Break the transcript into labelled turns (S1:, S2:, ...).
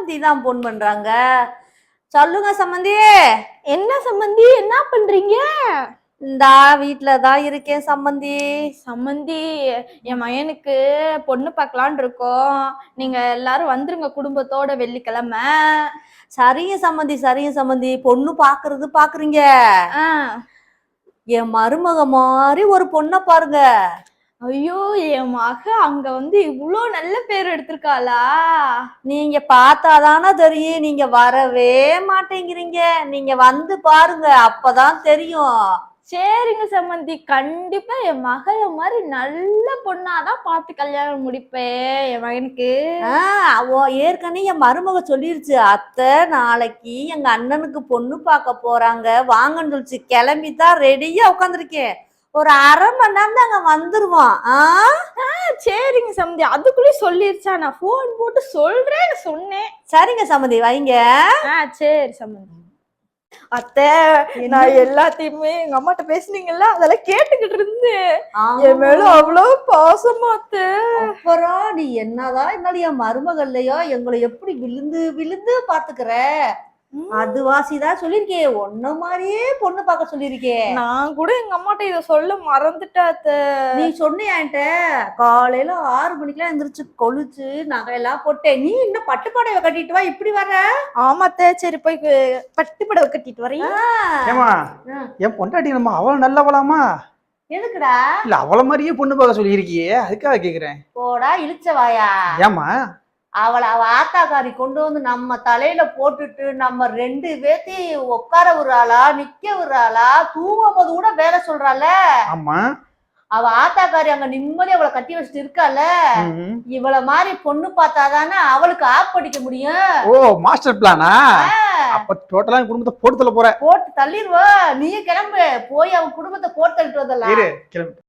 S1: சம்மந்தி தான் போன் பண்றாங்க. சொல்லுங்க சம்மந்தி.
S2: என்ன சம்மந்தி, என்ன பண்றீங்க?
S1: இந்தா வீட்டுலதான் இருக்கேன் சம்மந்தி.
S2: சம்மந்தி, என் மகனுக்கு பொண்ணு பார்க்கலான் இருக்கோம். நீங்க எல்லாரும் வந்துருங்க குடும்பத்தோட வெள்ளிக்கிழமை.
S1: சரிங்க சம்மந்தி, சரிங்க சம்மந்தி. பொண்ணு பாக்குறீங்க. என் மருமக மாதிரி ஒரு பொண்ணை பாருங்க.
S2: ஐயோ, என் மக அங்க இவ்வளோ நல்ல பேர் எடுத்திருக்காளா?
S1: நீங்க பார்த்தாதானே தெரியும். நீங்க வரவே மாட்டேங்கிறீங்க. நீங்க வந்து பாருங்க, அப்பதான் தெரியும்.
S2: சரிங்க சம்மந்தி, கண்டிப்பா என் மகளை மாதிரி நல்ல பொண்ணாதான் பார்த்து கல்யாணம் முடிப்பேன் என் மகனுக்கு.
S1: ஏற்கனவே என் மருமக சொல்லிருச்சு, அத்தை நாளைக்கு எங்க அண்ணனுக்கு பொண்ணு பார்க்க போறாங்க வாங்கன்னு சொல்லிச்சு. கிளம்பிதான் ரெடியா உட்காந்துருக்கேன். ஒரு அரை மணி நேரம் தான் அங்க வந்துருவான்.
S2: சரிங்க சம்மந்தி, அதுக்குள்ளே சொல்லிருச்சா? நான் போன் போட்டு சொல்றேன்னு சொன்னேன்.
S1: சரிங்க சம்மந்தி, வைங்க.
S2: சரி சம்மந்தி. அத்தை, நான் எல்லாத்தையுமே எங்க அம்மாட்ட பேசுனீங்கல்ல, அதெல்லாம் கேட்டுக்கிட்டு இருந்தேன். என் மேல அவ்வளவு பாசமா அத்தை.
S1: அப்புறம் நீ என்னதான் இருந்தாலும் என் மருமகள் இல்லையோ, எங்களை எப்படி விழுந்து விழுந்து பாத்துக்கிற. அது வாசிதான் சொல்லிருக்கேன், ஒன்ன மாதிரியே பொண்ணு பார்க்க சொல்லிருக்கேன்.
S2: நான் கூட எங்க அம்மாட்ட இத சொல்ல மறந்துட்டாத்த.
S1: நீ சொன்னியா என்கிட்ட? காலையில 6 மணிக்கெல்லாம் எந்திரிச்சு கொளுச்சு நகையெல்லாம் போட்டேன். நீ இன்னும் பட்டு புடவை கட்டிட்டு வா, இப்படி வர?
S2: ஆமாத்த, சரி போய் பட்டு புடவை கட்டிட்டு வரேன்.
S3: ஏமா என் பொண்டாட்டி நம்ம அவள நல்லவளாமா?
S1: எதுக்குடா?
S3: இல்ல அவள மாதிரியே பொண்ணு பார்க்க சொல்லியிருக்கியே, அதுக்காக கேக்குறேன்.
S1: போடா இழுச்சவாயா.
S3: ஏமா
S1: அவ ஆத்தாக்காரி கொண்டு வந்து நம்ம தலையில போட்டுட்டு நம்ம 2 பேத்தையும் உட்கார விடுறாளா, நிக்க விடுறாளா, தூங்கும் போது கூட வேலை சொல்றாள.
S3: ஆமா,
S1: அவ ஆத்தாக்காரி அங்க நிம்மதி அவளை கட்டி வச்சுட்டு இருக்கால. இவள மாதிரி பொண்ணு பார்த்தாதானே அவளுக்கு ஆப் படிக்க முடியும்.
S3: ஓ, மாஸ்டர் பிளானா? அப்ப டோட்டலா குடும்பத்தை போட்டு தள்ள போற.
S1: போட்டு தள்ளிடுவ. நீ கிளம்பு, போய் அவன் குடும்பத்தை போட்டு தள்ளிட்டு வந்தலாம்.
S3: கிளம்பு.